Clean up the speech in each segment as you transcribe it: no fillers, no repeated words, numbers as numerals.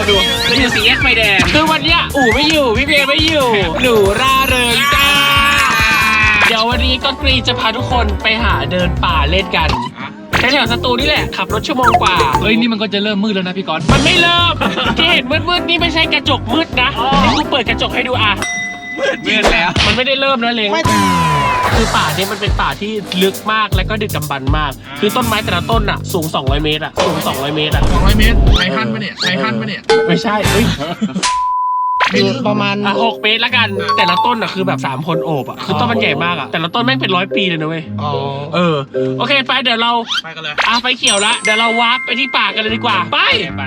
ดูเราอยู่4 แยกไฟแดงคือวันเนี้ยอู๋ไม่อยู่พี่เบย์ไม่อยู่หนูร่าเริงจ้าเดี๋ยววันนี้ก็กรีจะพาทุกคนไปหาเดินป่าเล่นกันแถวสตูนี่แหละขับรถชั่วโมงกว่าเฮ้ยนี่มันก็จะเริ่มมืดแล้วนะพี่ก๊อตมันไม่เริ่มที่เห็นมืดนี่ไม่ใช่กระจกมืดนะนี่กูเปิดกระจกให้ดูอ่ะมืดแล้วมันไม่ได้เริ่มนะเล้งคือป่านี้มันเป็นป่าที่ลึกมากและก็ดึกดำบรรพ์มากคือต้นไม้แต่ละต้นอ่ะสูง200 เมตรอ่ะสูง200 เมตรอ่ะ 200 เมตรไททันปะเนี่ยไททันปะเนี่ยไม่ใช่เฮ้ยประมาณ6 เมตรละกันแต่ละต้นอ่ะคือแบบ3 คนโอบอ่ะคือต้นมันใหญ่มากอ่ะแต่ละต้นแม่งเป็น100 ปีเลยนะเว้ยโอเคไปเดี๋ยวเราไปกันเลยไฟเขียวละเดี๋ยวเราวาร์ปไปที่ป่ากันเลยดีกว่าไป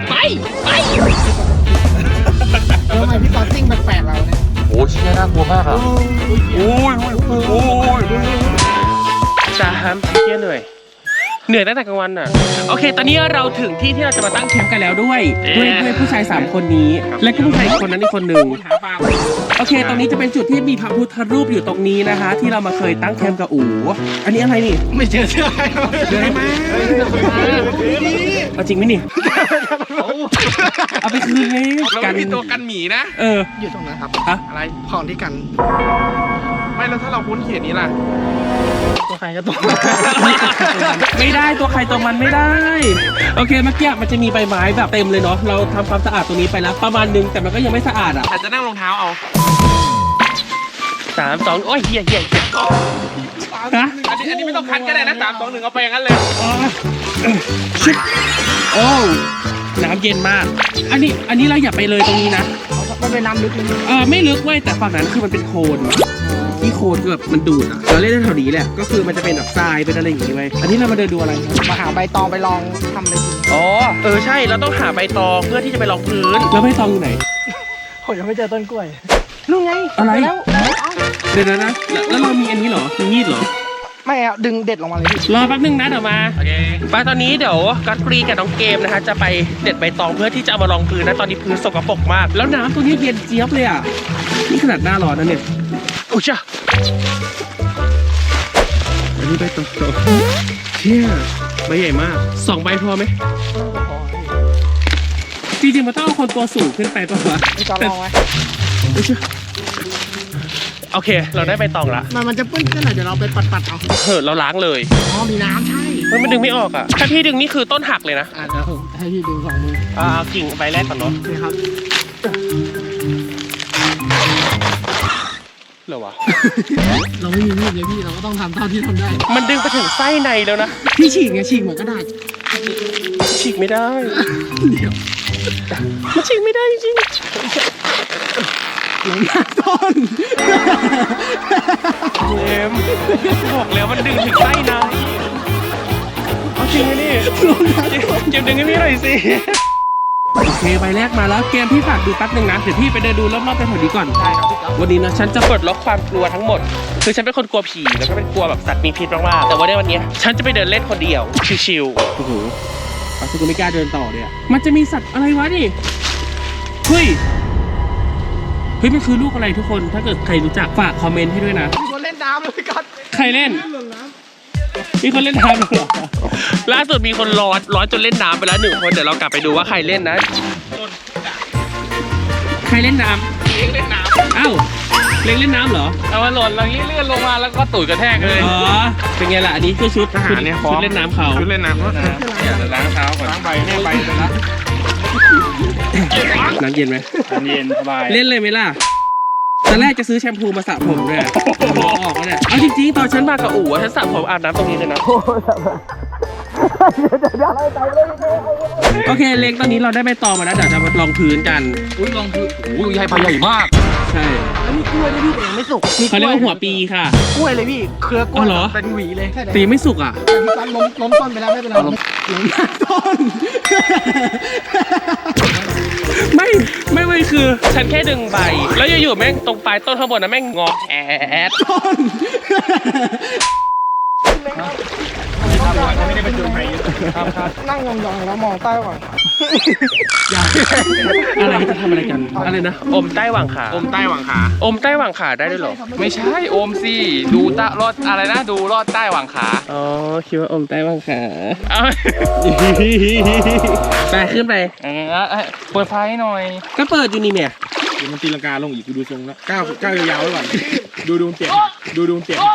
ทำไมพี่ตอนซิ่งแปลกๆเราเนี่ยโอ้ชิ้นน่ากลัวมากอ่ะโอ้ยจะห้ามเที่ยเหนื่อยตั้งแต่กลางวันอ่ะโอเคตอนนี้เราถึงที่เราจะมาตั้งแคมป์กันแล้วด้วยผู้ชาย3 คนนี้และก็ผู้ชายอีกคนนั้นอีกคนหนึ่งโอเคตรงนี้จะเป็นจุดที่มีพระพุทธรูปอยู่ตรงนี้นะคะที่เรามาเคยตั้งแคมป์กับอู๋อันนี้อะไรนี่ไม่เจอเสื้อใครเจอไหมเอาจริงไหมนี่เอาไปคืนไงกันมีตัวกันหมีนะอยู่ตรงนั้นครับอะไรของที่กันไม่แล้วถ้าเราคุ้นเขียนนี้ล่ะตัวใครก็ตัวไม่ได้ตัวใครตัวมันไม่ได้โอเคเมื่อกี้มันจะมีใบไม้แบบเต็มเลยเนาะเราทำความสะอาดตรงนี้ไปแล้วประมาณนึงแต่มันก็ยังไม่สะอาดอ่ะอาจจะนั่งรองเท้าเอา 3 2โอ้ยเหี้ยฮะอันนี้ไม่ต้องคัดก็ได้นะ3 2 1เอาไปอย่างนั้นเลยโอ้น้ำเย็นมากอันนี้เราอย่าไปเลยตรงนี้นะมันเป็นน้ำลึกไม่ลึกเว้ยแต่ฝั่งนั้นคือมันเป็นโคลนที่โคลนคือแบบมันดูดอะเราเล่นแถวนี้แหละก็คือมันจะเป็นแบบทรายเป็นอะไรอย่างงี้ไว้อันนี้เรามาเดินดูอะไรมาหาใบตองไปลองทำเลยใช่เราต้องหาใบตองเพื่อที่จะไปรองพื้นแล้วใบตองอยู่ไหนผมยังไม่เจอต้นกล้วยนู่นไงอะไรเดี๋ยวนะแล้วเรามีอันนี้เหรอมีมีดเหรอไม่เอาดึงเด็ดลงมาเลยรอแป๊บนึงนะเดี๋ยวมาโอเคไปตอนนี้เดี๋ยวกัตกรีกับน้องเกมนะคะจะไปเด็ดใบตองเพื่อที่จะเอามารองพื้นนะตอนนี้พื้นสกปรกมากแล้วน้ำตรงนี้เย็นเจี๊ยบเลยอ่ะนี่ขนาดหน้าร้อนนะเนี่ยโอ้จ้าอันนี้ใบตองเชี่ยใบใหญ่มาก2 ใบพอไหมจริงๆมันต้องเอาคนตัวสูงขึ้นไปป่ะวะไม่จะลองไหมโอเคเราได้ใบตองละมันจะปื้นขึ้นหน่อยเดี๋ยวเราไปปัดเอาเราล้างเลยมีน้ำใช่มันดึงไม่ออกอ่ะถ้าพี่ดึงนี่คือต้นหักเลยนะเดี๋ยวให้พี่ดึง2 มือเอากิ่งใบแรกก่อนเนาะนี่ครับเหรอวะเราไม่มีมีดเลยพี่เราก็ต้องทำเท่าที่ทำได้มันดึงไปถึงไส้ในแล้วนะพี่ฉีกไงฉีกเหมือนกระดาษฉีกไม่ได้เดี๋ยวมันฉีกไม่ได้จริงหลังต้นบอกแล้วมันดึงถึงไส้ในเอาจริงไหมนี่เก็บดึงให้พี่หน่อยสิโอเคใบแรกมาแล้วเกมพี่ฝากดูแป๊บนึงนะเดี๋ยวพี่ไปเดินดูรอบๆแถวนี้ก่อนได้ครับพี่วันนี้นะฉันจะปลดล็อกความกลัวทั้งหมดคือฉันเป็นคนกลัวผีแล้วก็เป็นกลัวแบบสัตว์มีพิษมากๆแต่ว่าในวันนี้ฉันจะไปเดินเล่นคนเดียวชิวๆโอ้โหปัสสาวะไม่กล้าเดินต่อเลยอ่ะมันจะมีสัตว์อะไรวะนี่เฮ้ยมันคือลูกอะไรทุกคนถ้าเกิดใครรู้จักฝากคอมเมนต์ให้ด้วยนะมีคนเล่นน้ำเลยก่อนใครเล่นมีคนเล่นน้ำเหรอล่าสุดมีคนร้อนจนเล่นน้ำไปแล้ว1 คนเดี๋ยวเรากลับไปดูว่าใครเล่นนะใครเล่นน้ำเล่นน้ำอ้าวเล่นน้ำเหรอเอามาหล่นแล้วเลื่อนลงมาแล้วก็ตุ๋ยกระแทกเลยเป็นไงล่ะอันนี้คือชุดทหารเนี่ยชุดเล่นน้ำเขาชุดเล่นน้ำอย่าล้างเท้าก่อนล้างใบเนี่ยใบไปแล้วน้ำเย็นไหมน้ำเย็นสบายเล่นเลยไหมล่ะตอนแรกจะซื้อแชมพูมาสระผมด้วยออกแล้วเนี่ยเอาจริงๆตอนฉันมากับอู๋ฉันสระผมอาบน้ำตรงนี้เลยนะโอเคเล็กตอนนี้เราได้ใบตองมาแล้วเดี๋ยวจะมาลองพื้นกันลองพื้นใหญ่ใบใหญ่มากใช่แล้วมีกล้วยด้วยพี่แต่ยังไม่สุกเขาเรียกว่าหัวปีค่ะกล้วยเลยพี่เครือกล้วยเป็นหวีเลยตีไม่สุกอ่ะแต่พี่ล้มต้นไปแล้วไม่เป็นไรล้มต้นไม่คือฉันแค่ดึงใบแล้วอยู่ๆแม่งตรงปลายต้นข้างบนนะแม่งงอแอดต้นไม่ได้เป็นจุดไฟนั่งยองๆแล้วมองใต้หวังอะไรจะทำอะไรกันอะไรนะอมใต้หว่างขาอมใต้หวังขาอมใต้หว่างขาได้ด้วยเหรอไม่ใช่โอมสิดูตะรอดอะไรนะดูรอดใต้หวังขาอ๋อคิดว่าอมใต้หว่างขาเอาไปขึ้นไปเปิดไฟหน่อยก็เปิดอยู่นี่เนี่ยเดี๋ยวมันตีลังกาลงอีกดูทรงแล้วก้าวยาวๆไว้ก่อนดูเตียงเตียง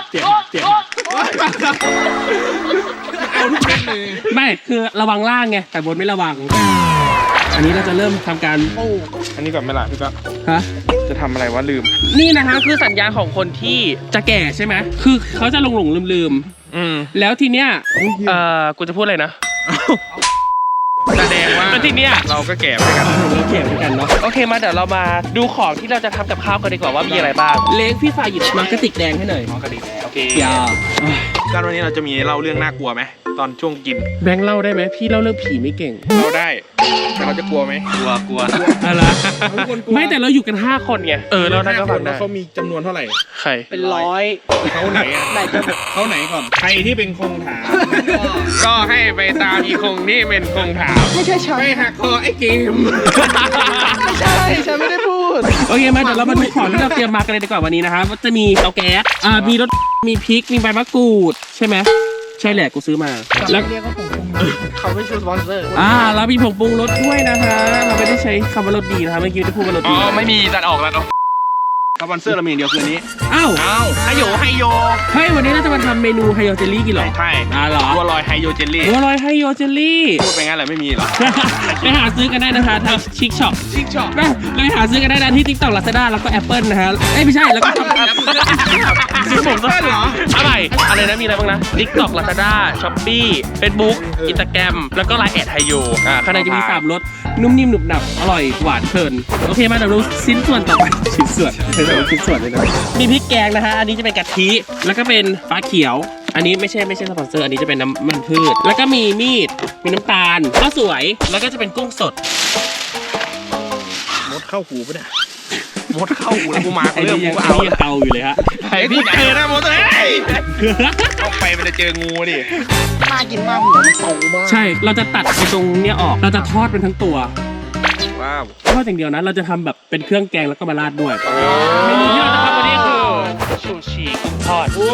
เอาทุกคนเลยไม่คือระวังล่างไงแต่บนไม่ระวัง อันนี้เราจะเริ่มทำการอันนี้ก่อนไหมล่ะพี่ก็ฮะจะทำอะไรวะลืมนี่นะคะคือสัญญาณของคนที่จะแก่ใช่ไหมคือเขาจะหลงลืม แล้วทีเนี้ยกูจะพูดอะไรนะแสดงว่าแล้วทีเนี้ยเราก็แก่ไปกันเราแก่เหมือนกันเนาะโอเคมาเดี๋ยวเรามาดูของที่เราจะทำกับข้าวกันดีกว่าว่ามีอะไรบ้างเล้งพี่ฝ่ายหยิบมากระติกแดงให้หน่อยกระดิ่งโอเคอย่าการวันนี้เราจะมีเล่าเรื่องน่ากลัวไหมตอนช่วงกินแบงค์เล่าได้ไหมพี่เล่าเรื่องผีไม่เก่งเราได้แต่เราจะกลัวไหมกลัวอะไรไม่แต่เราอยู่กัน5คนไงเราได้ก็ฟังได้เขามีจำนวนเท่าไหร่ใครเป็นร้อยเขาไหนอ่ะเขาไหนก่อนใครที่เป็นคงถามก็ให้ไปตามอีคงที่เป็นคงถามไม่ใช่ฉันไม่หักคอไอ้เกมไม่ใช่ฉันไม่ได้พูดโอเคมาเดี๋ยวเรามาดูของที่เราเตรียมมากันเลยดีกว่าวันนี้นะครับจะมีเตาแก๊สมีรสมีพริกมีใบมะกรูดใช่ไหมใช่แหละกูซื้อมาแล้วเรียกว่าผมเขาไม่ใช่สปอนเซอร์เรามีผงปรุงรสด้วยนะคะเราไม่ได้ใช้คำว่ารสดีนะคะเมื่อกี้ได้พูดว่ารสอ๋ดีอไม่มีตัดออกแล้วเนาะสปอนเซอร์เรามีอย่างเดียวคืออันนี้อ้าวไฮโยเฮ้ยวันนี้เราจะมาทำเมนูไฮโอเจลลี่กินเหรอใช่เหรอบัวลอยไฮโยเจลลี่บัวลอยไฮโอเจลลี่พูดไปงั้นแหละไม่มีหรอไปหาซื้อกันได้นะคะทางชิคช็อปไปหาซื้อกันได้นะที่ TikTok Lazada แล้วก็ Apple นะฮะไม่ใช่แล้วก็ซื้อผมก็เหรออะไรนะมีอะไรบ้างนะ TikTok Lazada Shopee Facebook Instagram แล้วก็ Line แอดไฮโยข้างในจะมี3รสนุ่มนิ่มหนุบหนับอร่อยหวานเพลินโอเคมาเดี๋ยวดูชิ้นส่วนต่อไปชิ้นส่วนเลยนะมีพริกแกงนะฮะอันนี้จะเป็นกะทิแล้วก็เป็นฟ้าเขียวอันนี้ไม่ใช่สปอนเซอร์อันนี้จะเป็นน้ำมันพืชแล้วก็มีมีดมีน้ำตาลข้าวสวยแล้วก็จะเป็นกุ้งสดมดเข้าหูปะเนี่ยมดเข้าหูแล้วกูมาไอ้เรื่องนี่กูยังเอาเตาอยู่เลยฮะไอ้ที่เจอนะมดเลยเข้าไปมันจะเจองูดิน่ากินมากหัวมันโตมากใช่เราจะตัดไอ้ตรงเนี้ยออกเราจะทอดเป็นทั้งตัวว้าวทอดอย่างเดียวนะเราจะทำแบบเป็นเครื่องแกงแล้วก็มาราดด้วยเมนูที่เราจะทำวันนี้คือชูชีกุ้งทอดชู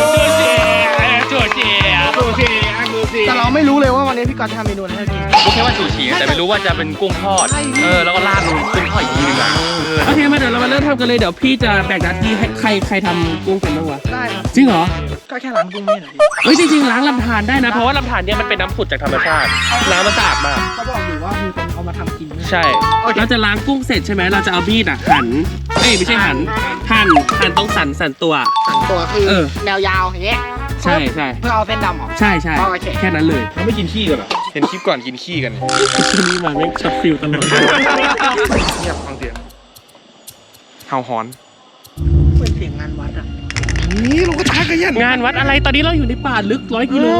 ชีแต่เราไม่รู้เลยว่าวันนี้พี่กอล์ฟทำเมนูอะไรให้กินรู้แค่ว่าชูชีแต่ไม่รู้ว่าจะเป็นกุ้งทอดแล้วก็ราดลงกุ้งทอดอีกทีนึงอ่ะโอเคมาเดี๋ยวเรามาเริ่มทำกันเลยเดี๋ยวพี่จะแบ่งหน้าที่ให้ใครทำกุ้งเป็นบ้างวะได้ครับจริงเหรอก็แค่ล้างกุ้งนี่หน่อยเฮ้ยจริงๆล้างลำธารได้นะเพราะว่าลำธารเนี่ยมันเป็นน้ำผุดจากธรรมชาติน้ำมันสะอาดมากเขาบอกอยู่ว่ามีคนเอามาทำกินด้วยใช่เราจะล้างกุ้งเสร็จใช่ไหมเราจะเอามีดหั่นไม่ใช่หั่นตรงสันตัวสั่งตัวคือเออแนวยาวอย่างเงี้ยใช่เพื่อเอาเส้นดำออกใช่โอเคแค่นั้นเลยเขาไม่กินขี้กันเหรอเห็นคลิปก่อนกินขี้กันที่นี่มาแม่งช็อตฟิลตลอดเงียบฟังเสียงเห่าหอนเหมือนเสียงงานวัดอ่ะนี่ลูกกระทะกันยันงานวัดอะไรตอนนี้เราอยู่ในป่าลึก100 กิโล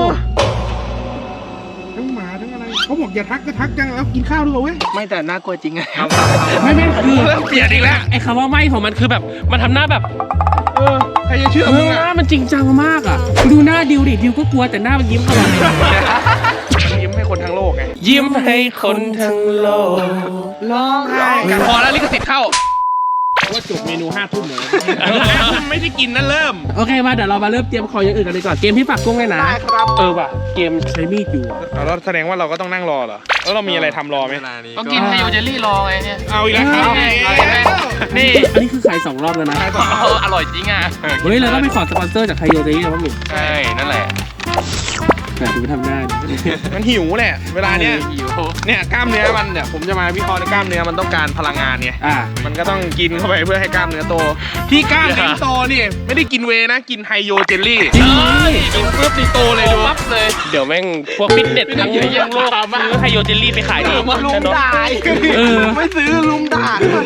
ทั้งหมาทั้งอะไรเขาบอกอย่าทักก็ทักจังแล้วกินข้าวด้วยเว้ยไม่แต่น่ากลัวจริงไงไม่คือเริ่มเปลี่ยนอีกแล้วไอ้คำว่าไม่ของมันคือแบบมันทำหน้าแบบใครจะเชื่อมึงหอ่ะน้ามันจริงจังมากอ่ะดูหน้าดิวดิดิวก็กลัวแต่หน้ามันยิ้มตลอดเลยมันยิ้มให้คนทั้งโลกไงยิ้มให้คนทั้งโลกร้องไห้พอแล้วลิขสิทธิ์เข้าว่าจบเมนู5 ทุ่มเลยไม่ได้กินนะเริ่มโอเคมาเดี๋ยวเรามาเริ่มเตรียมของอย่างอื่นกันเลยก่อนเกมที่ฝากกุ้งเลยนะได้ครับว่ะเกมใช้มีดอยู่แล้วแสดงว่าเราก็ต้องนั่งรอเหรอแล้วเรามีอะไรทำรอไหมก็กินไฮโอเจลลี่รอไงเนี่ยเอาอีกแล้วครับนี่อันนี้คือขาย2 รอบแล้วนะอร่อยจริงอ่ะเฮ้ยเราต้องไปขอสปอนเซอร์จากไคโยเจนี่นะพ่อหนุ่มใช่ นั่นแหละแต่ดูทำหน้าดิมันหิวแหละเวลาเนี้ยหิวเนี่ยกล้ามเนื้อมันเนี่ยผมจะมาวิเคราะห์ในกล้ามเนื้อมันต้องการพลังงานไง มันก็ต้องกินเข้าไปเพื่อให้กล้ามเนื้อโต ที่กล้ามเนื้อโตนี่ไม่ได้กินเวย์นะกินไฮโยเจลลี่จริงกินปุ๊บนี่โตเลยดูปั๊บเลยเดี๋ยวแม่งพวกฟิตเนสทั้งโลกซื้อไฮโยเจลลี่ไปขายดิมาลุมด่าไม่ซื้อลุมด่า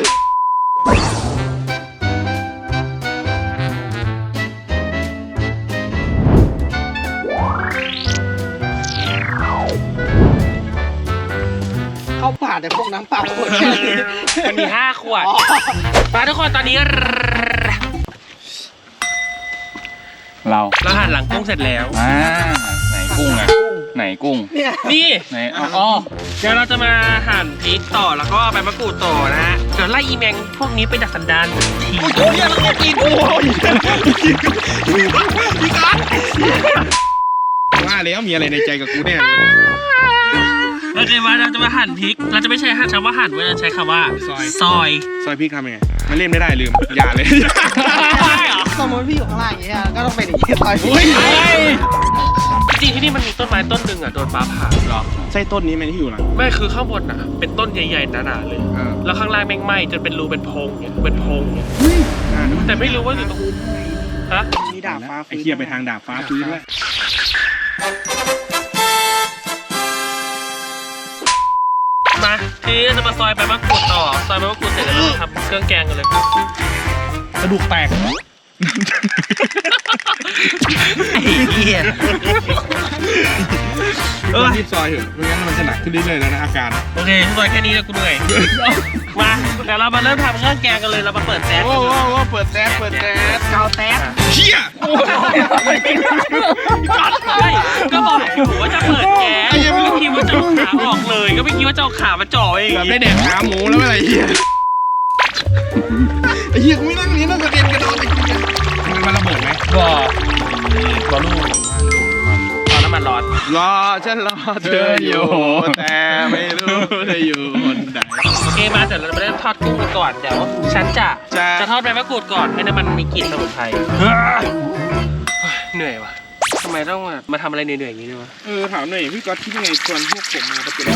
เข้าป่าแต่พวกน้ำเปล่าขวดแค่นี้มันมี5 ขวดมาทุกคนตอนนี้เราเราหั่นหลังกุ้งเสร็จแล้วไหนกุ้งอ่ะไหนกุ้งนี่ไหนอ๋อเดี๋ยวเราจะมาหั่นพริกต่อแล้วก็ใบมะกรูดต่อนะฮะเดี๋ยวไล่อีแมงพวกนี้ไปดักสันดานทีโอ้ยแล้วก็กินโอ้ยพี่การว่าแล้วมีอะไรในใจกับกูแน่โอเคมาเราจะมาหั่นพริกเราจะไม่ใช้คำว่าหั่นเว้ยเราใช้คำว่าซอยซอยพริกทำยังไงมันเล่นไม่ได้ลืมอย่าเลยสมมติพี่อยู่ข้างล่างอย่างเงี้ยก็ต้องเป็นอย่างนี้ต่อยอุ้ยจริงๆที่นี่มันมีต้นไม้ต้นหนึ่งอ่ะโดนฟ้าผ่าหรอใช่ต้นนี้ไหมที่อยู่หลังไม่คือข้างบนอ่ะเป็นต้นใหญ่ๆหนาๆเลย แล้วข้างล่างแม่งไหม้จนเป็นรูเป็นโพรงเนี่ยเป็นโพรงเนี่ยแต่ไม่รู้ว่าอยู่ตรงฮะมีดาบฟ้าไอ้เคียไปทางดาบฟ้าฟื้นแล้วมาทีนี้เราจะมาซอยใบมะกรูดต่อซอยใบมะกรูดเสร็จแล้วเรามาทำเครื่องแกงกันเลยกระดูกแตกไอ้เหี้ยรีบซอยเถอะไม่งั้นมันจะหนักขึ้นเรื่อยๆแล้วนะอาการโอเคซอยแค่นี้แล้วกูเหนื่อยมาเดี๋ยวเรามาเริ่มทำเครื่องแกงกันเลยเรามาเปิดแก๊สโอ้เปิดแก๊สเกาแต๊บเชี่ยใช่ก็บอกอยู่ว่าจะเปิดแก๊สไม่คิดว่าจะเอาขาออกเลยก็ไม่คิดว่าจะเอาขามาจ่อเองแบบได้แดกขาหมูแล้วอะไรเหี้ยไอ้เหี้ยกูไม่นั่งนี้นั่งกระเด็นกระโดดไอ้เหี้ยมันระเบิดไหมก็ลูกเอาน้ำมันร้อนรอฉันรอเธออยู่แต่ไม่รู้เธออยู่คนไหนโอเคมาเดี๋ยวเราไปเริ่มทอดกุ้งกันก่อนเดี๋ยวฉันจะทอดใบมะกรูดก่อนให้น้ำมันมีกลิ่นสมุนไพรเหนื่อยว่ะทำไมต้องมาทำอะไรเหนื่อยๆอย่างนี้ด้วยวะถามหน่อยพี่ก๊อตคิดยังไงชวนพวกผมมาประจน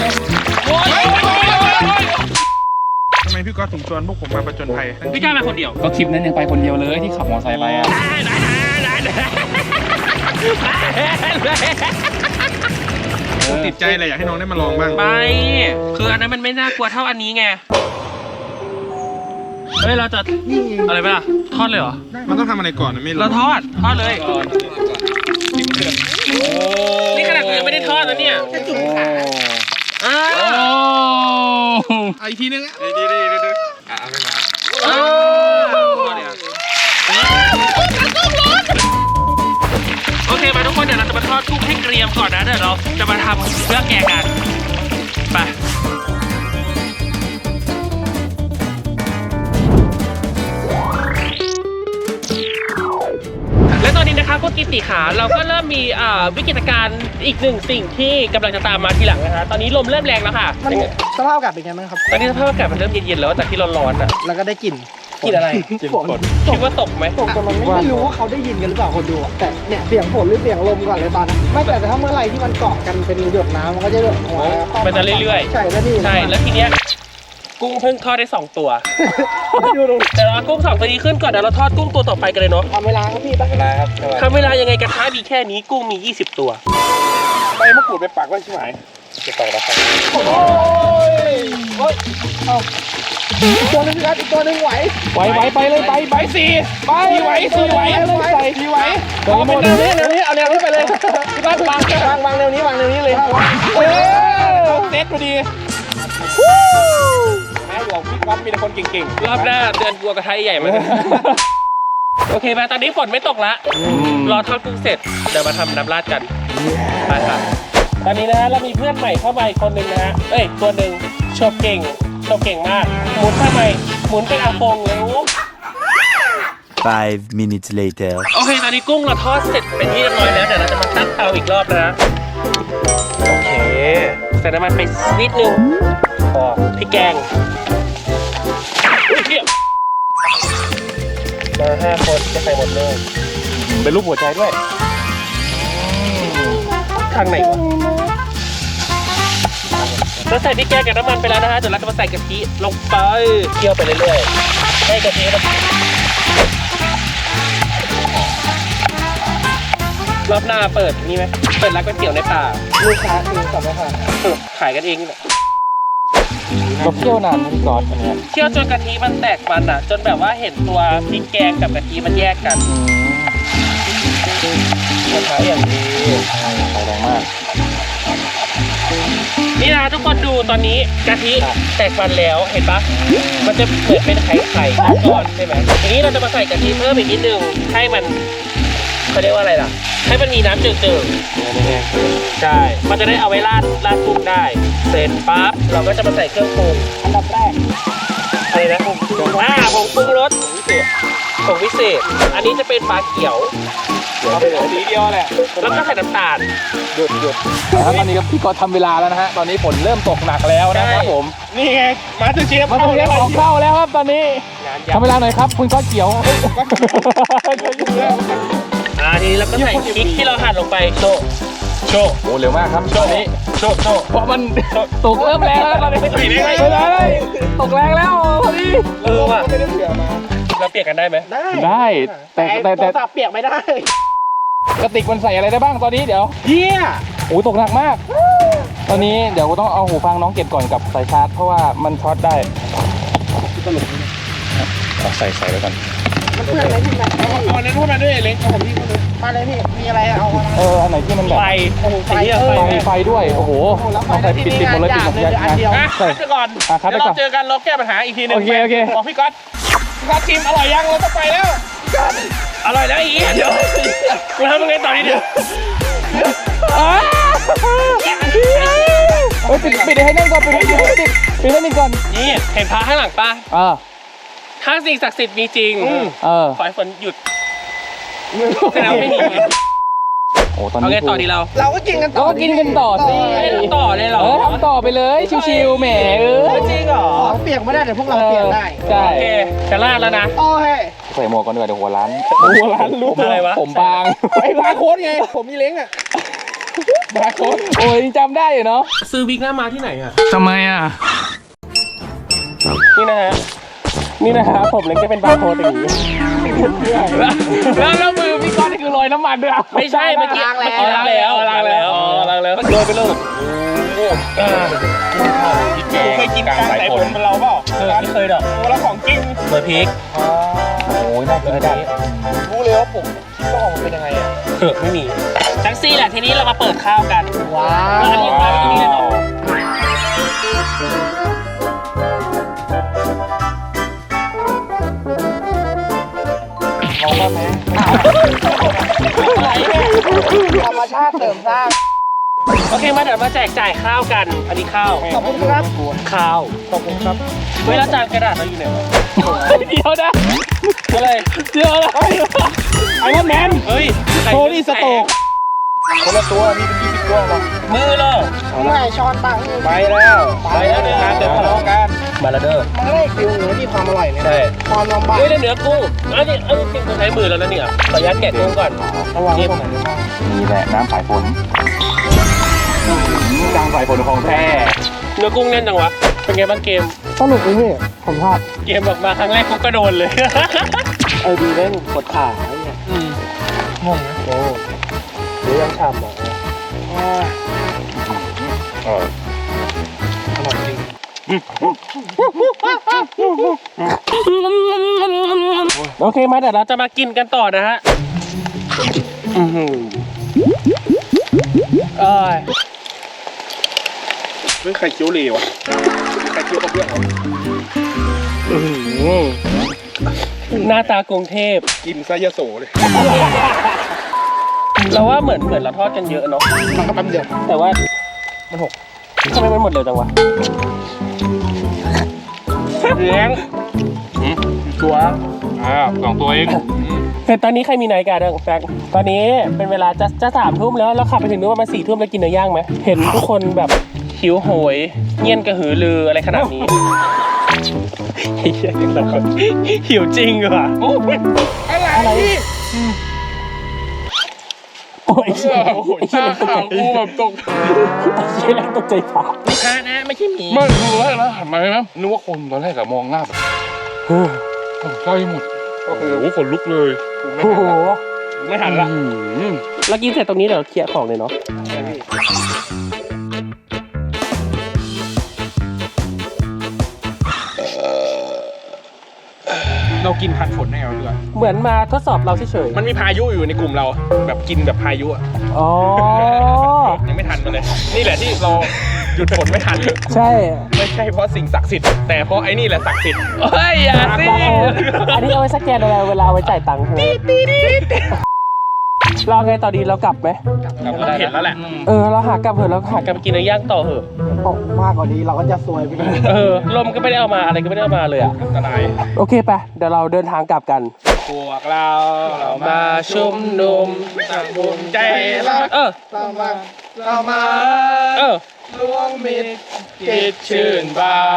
ทำไมพี่ก๊อตถึงชวนพวกผมมาประจนภัยพี่กล้ามาคนเดียวก็คลิปนั้นยังไปคนเดียวเลยที่ขับมอเตอร์ไซค์ไปอ่ะติดใจอะไรอยากให้น้องได้มาลองบ้างไปคืออันนั้นมันไม่น่ากลัวเท่าอันนี้ไงเฮ้ยเราจะอะไรไปล่ะทอดเลยเหรอมันต้องทำอะไรก่อนนะไม่รู้เราทอดเลยนี่ขนาดกูยังไม่ได้ทอดนะเนี่ยแค่จุ่มขาอีกทีนึงโอเคมาทุกคนเดี๋ยวเราจะมาทอดกุ้งให้เกรียมก่อนนะเดี๋ยวเราจะมาทำเครื่องแกงกันไปและตอนนี้นะครับพวกกิติขาเราก็เริ่มมีวิกฤตการณ์อีกหนึ่งสิ่งที่กำลังจะตามมาทีหลังนะคะตอนนี้ลมเริ่มแรงแล้วค่ะมันสภาพอากาศเป็นไงบ้างครับตอนนี้สภาพอากาศมันเริ่มเย็นๆแล้วจากที่ร้อนๆอ่ะแล้วก็ได้กลิ่นกลิ่นอะไรฝนคิดว่าตกไหมตกแต่มันไม่รู้ว่าเขาได้ยินกันหรือเปล่าคนดูอะแต่เนี่ยเสียงฝนหรือเสียงลมก่อนเลยตอนนั้นไม่แต่ถ้าเมื่อไหร่ที่มันเกาะกันเป็นหยดน้ำมันก็จะหยดหัวมันจะเรื่อยๆใช่แล้วนี่ใช่แล้วทีเนี้ยกุ้งเพิ่งทอดได้2 ตัวดูดูแต่เราเอากุ้ง2 ตัวนี้ขึ้นก่อนเดี๋ยวเราทอดกุ้งตัวต่อไปกันเลยเนาะทำเวลาครับพี่ตั้งเวลาครับทำเวลายังไงกระทะมีแค่นี้กุ้งมี20 ตัวใบมะกรูดไปปักไว้ใช่ไหมจะต่อแล้วครับโอ้ยเอาอีกตัวนึงครับอีกตัวนึงไหวไปเลยไปสี่ไปไหวสี่ไหวสี่ไหวเอาเป็นแนวนี้เอาแนวนี้ไปเลยที่บ้านวางแนวนี้เลยเซ็ตพอดีแม่บอกพี่ก๊อตมีแต่คนเก่งรอบหน้าเดือนกลัวกระทะใหญ่มาโอเคมาตอนนี้ฝนไม่ตกละรอทอดกุ้งเสร็จเดี๋ยวมาทำน้ำราดกันไปครับตอนนี้นะฮะเรามีเพื่อนใหม่เข้ามาอีกคนนึงนะฮะตัวหนึ่งโชว์เก่งมากหมุนทำไมหมุนเป็นอาฟงเลย 5 minutes later โอเคตอนนี้กุ้งเราทอดเสร็จเป็นที่เรียบร้อยแล้วเดี๋ยวเราจะมาตั้งเตาอีกรอบนะโอเคใส่น้ำมันไปนิดนึงพอพริกแกงเทียบมา5 คนจะใส่หมดเลยเป็นรูปหัวใจด้วยทางไหนวะเราใส่พริกแกงกับน้ำมันไปแล้วนะฮะเดี๋ยวเราจะมาใส่กะทิลงไปเคี่ยวไปเรื่อยๆให้กะทิมันรอบหน้าเปิดนี่ไหมเปิดร้านก๋วยเตี๋ยวในป่าลูกค้าคือสัมภาระขายกันเองนี่แหละเราเที่ยวนานพี่ก๊อตอันเนี้ยเคี่ยวจนกะทิมันแตกมันอ่ะจนแบบว่าเห็นตัวพริกแกงกับกะทิมันแยกกันกระทะอย่างดีไฟแรงมากนี่นะทุกคนดูตอนนี้กะทิแตกมันแล้วเห็นปะมันจะเหมือนเป็นไข่ก้อนใช่ไหมทีนี้เราจะมาใส่กะทิเพิ่มอีกนิดนึงให้มันเขาเรียกว่าอะไรล่ะ ให้มันมีน้ำเจิ่งๆใช่ มันจะได้เอาไว้ราดกุ้งได้ เสร็จปั๊บเราก็จะมาใส่เครื่องปรุงอันดับแรกอะไรนะผงปรุงผงปรุงรสผงพิเศษ อันนี้จะเป็นปลาเขียวสีเดียวแหละแล้วก็ใส่น้ำตาลหยุดแล้วตอนนี้ก็พี่ก๊อตทำเวลาแล้วนะฮะตอนนี้ฝนเริ่มตกหนักแล้วนะครับผมนี่ไงมาสเตอร์เชฟมาเรียกของเข้าแล้วครับตอนนี้งานทำเวลาหน่อยครับคุณก๊อตเขียวทีนี้เราก็ใส่พริกที่เราหั่นลงไปโชว์โอ้เร็วมากครับตอนนี้โชว์เพราะมันตกเริ่มแรงแล้วตอนนี้ไปเลยตกแรงแล้วพอดีว่ะไม่ได้เผื่อมาเราเปลี่ยนกันได้ไหมได้แต่โทรศัพท์เปียกไม่ได้กระติกมันใส่อะไรได้บ้างตอนนี้เดี๋ยวเฮียโอ้ตกหนักมาก ตอนนี้เดี๋ยวต้องเอาหูฟังน้องเก็บก่อนกับสายชาร์จเพราะว่ามันช็อตได้เอาใส่ไว้ก่อนมันเพื่อนอะไรพี่แม็กเอาอันนั้นพูดมาด้วยเล็กเอาของพี่พูดเลยมาเลยพี่มีอะไรเอามาอันไหนที่มันแบบไฟโอ้โหไฟเยอะไฟด้วยโอ้โหต้องใส่ปิดหมดเลยปิดหมดเลยอันเดียวใช่คัดไปก่อนคัดเดี๋ไปยวก่อเรานเจอกันเราแก้ปัญหาอีกทีหนึงโอเคบอกพี่ก๊อตชิมอร่อยยังเราต้องไปแล้วอร่อยแล้วไอ้เหี้ยเดี๋ยวกูทำยังไงต่อดีเดี๋ยวปิดให้แน่นก่อนปิดให้แน่นก่อนนี่เห็นพระข้างหลังป่ะ ถ้าสิ่งศักดิ์สิทธิ์มีจริง ขอให้ฝนหยุดแสดงว่าไม่มีโอ้ตอนเอานี้ไงต่อดีเราเราก็กินกันต่อก็กินกันต่อสิต่อเลยเหรอทำต่อไปเลยชิวๆแหมจริงเหรอของเปียกไม่ได้แต่พวกเราเปียกได้ใช่โอเคจะลาดแล้วนะโอ้ยใส่หมวกก่อนดีกว่าเดี๋ยวหัวร้านหัวร้านรู้อะไรวะผมบางไอ้บาร์โค้ดไงผมมีเล้งอ่ะบาร์โค้ดโอ้ยจำได้อยู่เนาะซื้อวิกหน้ามาที่ไหนอ่ะทำไมอ่ะนี่นะฮะ นี่นะฮะผมเล็กจะเป็นบาร์โค้ดอย่างนี้แล้วมือพี่ก้อนนี่คือลอยน้ำมันด้วยอ่ะไม่ใช่เมื่อกี้ล้างแล้วล้างแล้วโดนไปเลยเคยกินกลางสายฝนเป็นเราเปล่าไม่เคยหรอกเวลาของจริงเบอร์พริกโอ้ยน่ากินได้รู้เลยว่าผมคิดว่ามันเป็นยังไงอ่ะเผือกไม่มีแท็กซี่แหละทีนี้เรามาเปิดข้าวกันว้าอันนี้มาที่นี่เลยเนาะธรรมชาติเสริมสร้างโอเคมาเดี๋ยวมาแจกจ่ายข้าวกัน อันนี้ข้าวขอบคุณครับข้าวขอบคุณครับเวลาจานกระดาษเราอยู่ไหนวะเดี๋ยวนะอะไรเดี๋ยวนะไอ้รอนแมนเฮ้ยโทนี่สโต๊กคนละตัวมีเป็น20ตัวหรอมือเลยเมื่อไหร่ช้อนตังค์ไปแล้วเดินทางเดินทะเลาะกันมาแล้วเด้อมันก็ได้ฟิลเนื้อที่ความอร่อยเนี่ยใช่ความลำบากเฮ้ยเนื้อกุ้งอันนี้กุ้งใช้มือแล้วนะเนี่ยขออนุญาตแกะกุ้งก่อนระวังตรงไหนได้บ้างนี่แหละน้ำสายฝนกลางสายฝนของแท้เนื้อกุ้งแน่นจังวะเป็นไงบ้างเกมสนุกเลยพี่ผมชอบเกมออกมาครั้งแรกกูก็โดนเลยดีเล่นกดขาเนี่ยงงนะโอ้หรือยังฉ่ำอ่ะอร่อยจริงโอเคมาเดี๋ยวเราจะมากินกันต่อนะฮะเอ้ยเฮ้ยไข่เจียวเหลวอ่ะไข่เจียวกับเพื่อนเหรอหน้าตากรุงเทพกินซะยะโสเลยเราว่าเหมือนเราทอดกันเยอะเนาะมันก็แป๊บเดียวแต่ว่ามันหกทำไมมันหมดเร็วจังวะเลี้ยงตัว 2 ตัวเองแต่ตอนนี้ใครมีนาฬิกาเด้งแฟกตอนนี้เป็นเวลาจะ3 ทุ่มแล้วเราขับไปถึงนู้นประมาณ4 ทุ่มแล้วกินเนื้อย่างไหมเห็นทุกคนแบบหิวโหยเงียนกระหือรืออะไรขนาดนี้เฮียแต่คนหิวจริงว่ะอะไรโอ้ยเชี่ยโอ้โหหน้าขาวกูแบบตกเชี่ยตกใจฟ้าลูกค้านะไม่ใช่หมีไม่รู้แรกนะหันมาไหมนึกว่าคนตอนแรกอะมองหน้าแบบใกล้หมดโอ้โหขนลุกเลยโอ้โหไม่หันละเรากินเสร็จตรงนี้เดี๋ยวเคลียร์ของเลยเนาะเรากินทันฝนได้ไงเพื่อนเหมือนมาทดสอบเราเฉยมันมีพายุอยู่ในกลุ่มเรา แบบกินแบบพายุอ่ะๆอ๋อยังไม่ทันมันเลย นี่แหละที่เราหยุดฝนไม่ทันใช่ไม่ใช่เพราะสิ่งศักดิ์สิทธิ์แต่เพราะไอ้นี่แหละศักดิ์สิทธิ์เฮ้ยอย่าสิอันนี้เอาไว้สแกนอะไรเวลาเอาไว้จ่ายตังค์ใช่ไหมเราไงต่อดีเรากลับไหมเราเห็นแล้วแหละเราหากลับเถอะเราหากลับไปกินเนื้อย่างต่อเถอะตกมากกว่านี้เราก็จะซวยไปเลยลมก็ไม่ได้เอามาอะไรก็ไม่ได้เอามาเลยอ่ะอันตรายโอเคไปเดี๋ยวเราเดินทางกลับกันพวกเรามาชุมนุมตั้งวงใจรักเรามารวมมิตรคิดชื่นบาน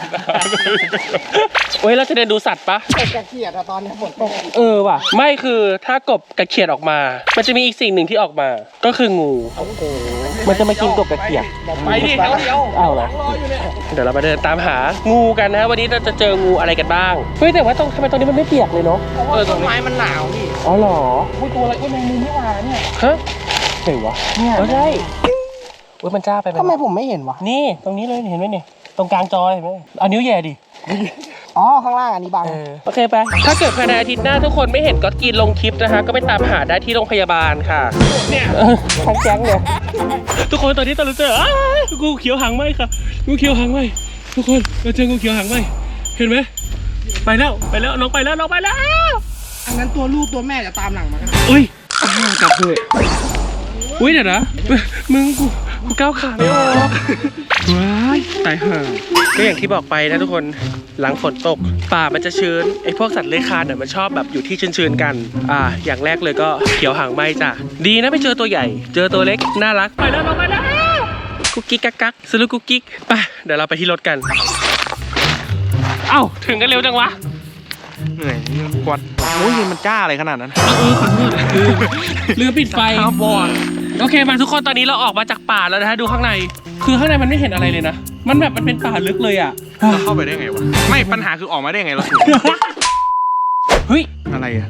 เว้ยเราจะเดินดูสัตว์ปะตกกระเขียดอะตอนนี้ฝนตกว่ะไม่คือถ้ากบกระเขียดออกมา มันจะมีอีกสิ่งหนึ่งที่ออกมา ก็คืองู มันจะมากินกบกระเขียดไปดิเดี๋ยวเอาเหรอเดี๋ยวเรามาเดินตามหางูกันนะวันนี้เราจะเจองูอะไรกันบ้างเฮ้ยแต่ว่าทำไมตรงนี้มันไม่เปียกเลยเนาะต้นไม้มันหนาวพี่อ๋อเหรออุ้ยตัวอะไรอุ้ยแมงมุมไม่หวานเนี่ยฮะเห็นวะเนี่ยใช่เว้ยมันจ้าไปไหมทำไมผมไม่เห็นวะนี่ตรงนี้เลยเห็นไหมเนี่ยตรงกลางจอเห็นไหมเอานิ้วแย่ดิอ๋อข้างล่างอันนี้บังโอเคไปถ้าเกิดภายในอาทิตย์หน้าทุกคนไม่เห็นก็กินลงคลิปนะคะก็ไปตามหาได้ที่โรงพยาบาลค่ะเนี่ยทั้งแก๊งเนี่ยทุกคนตอนนี้เราเจองูเขียวหางไหมค่ะงูเขียวหางไหมทุกคนเราเจองูเขียวหางไหมเห็นไหมไปแล้วน้องไปแล้วอันนั้นตัวลูกตัวแม่จะตามหลังมากันอุ้ยกลับเลยอุ้ยเดี๋ยวนะมึงกูก้าวขาไม่ออกว้ายตายห่าก็อย่างที่บอกไปนะทุกคนหลังฝนตกป่ามันจะชื้นไอ้พวกสัตว์เลื้อยคลานเนี่ยมันชอบแบบอยู่ที่ชื้นๆกันอย่างแรกเลยก็เขียวหางไหมจ้ะดีนะไม่เจอตัวใหญ่เจอตัวเล็กน่ารักไปแล้วกุ๊กกิ๊กกักสรุปกุ๊กกิ๊กไปเดี๋ยวเราไปที่รถกันเอ้าถึงกันเร็วจังวะเหนื่อยกวาดโอ้ยมันจ้าอะไรขนาดนั้นขอโทษลืมปิดไฟบอลโอเคมาทุกคนตอนนี้เราออกมาจากป่าแล้วนะฮะดูข้างในคือข้างในมันไม่เห็นอะไรเลยนะมันแบบมันเป็นป่าลึกเลยอ่ะเราเข้าไปได้ไงวะไม่ปัญหาคือออกมาได้ไงเราเฮ้ยอะไรอะ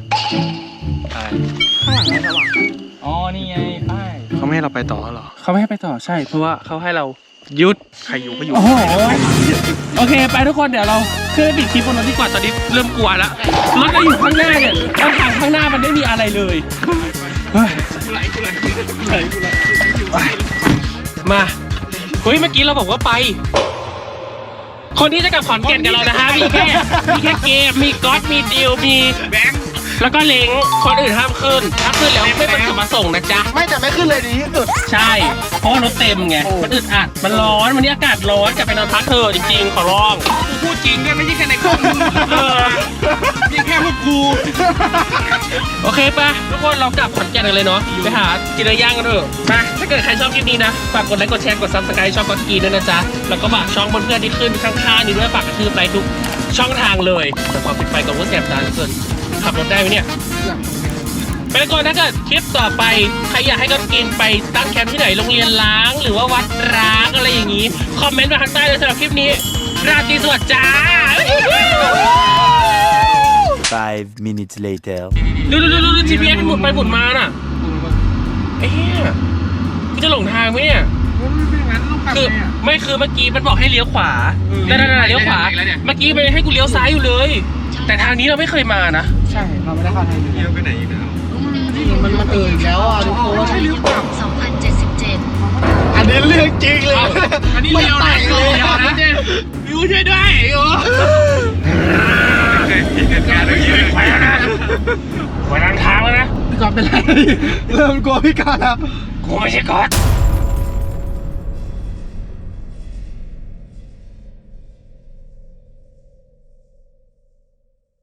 อ๋อ นี่ไงป้ายเขาไม่ให้เราไปต่อเหรอเขาไม่ให้ไปต่อใช่เพราะว่าเขาให้เราหยุดใครอยู่ก็อยู่โอ้โหโอเคไปทุกคนเดี๋ยวเราขึ้นไปปิดคลิปบนรถดีกว่าตอนนี้เริ่มกลัวแล้วรถเราอยู่ข้างหน้าเนี่ยแล้วทางข้างหน้ามันไม่มีอะไรเลยเฮ้ยมาเฮ้ยเมื่อกี้เราบอกว่าไป คนที่จะกลับขอนแก่นกับเรานะฮะมีแค่เกมมีก๊อตมีดิวมีแบงค์แล้วก็เล้งคนอื่นห้ามขึ้นถ้าขึ้นแล้วไม่เป็นจุดประสงค์นะจ๊ะไม่แต่ไม่ขึ้นเลยดีที่สุดใช่เพราะว่ารถเต็มไงมันอึดอัดมันร้อนวันนี้อากาศร้อนกลับไปนอนพักเถอะจริงๆขอร้องกูพูดจริงด้วยไม่ใช่แค่ในกล้องนี่แค่พวกกูโอเคปะทุกคนเรากลับขอนแก่นกันเลยเนาะไปหากินเนื้อย่างกันเถอะมาถ้าเกิดใครชอบคลิปนี้นะฝากกดไลค์กดแชร์กด Subscribe ช่องก็กินด้วยนะจ๊ะแล้วก็ฝากช่องเพื่อนๆที่ขึ้นข้างๆนี้ด้วยฝากกระทืบไลค์ทุกช่องทางเลยแต่ความปิดไฟกับว่าแสบตาเหลือเกินขับรถได้ไหมเนี่ยไปแล้วก่อนถ้าเกิดคลิปต่อไปใครอยากให้ก็กินไปตั้งแคมป์ที่ไหนโรงเรียนล้างหรือว่าวัดร้างอะไรอย่างนี้คอมเมนต์มาข้างใต้เลยสำหรับคลิปนี้ราตรีสวัสดิ์จ้า 5 minutes later. ดู GPS หมุนไปหมุนมาน่ะเอ๊ะกูจะหลงทางไหมเนี่ยคือไม่คือเมื่อกี้มันบอกให้เลี้ยวขวานั่นเลี้ยวขวาเมื่อกี้มันให้กูเลี้ยวซ้ายอยู่เลย แต่ทางนี้เราไม่เคยมานะใช่เราไม่ได้เข้าทางนี้เที่ยวไปไหนอีกแล้วมันอีกแล้วอ่ะทุกคน 2077 อันนี้เรื่องจริงเลยอันนี้เลี้ยวไหนเลยนะเจวิวช่วยด้วยโอ้การเมื่อกี้ไปแล้วนะไว้ทางแล้วนะพี่กอล์ฟเป็นไรเริ่มกลัวพี่กอล์ฟแล้วกูไม่ใช่ก๊อต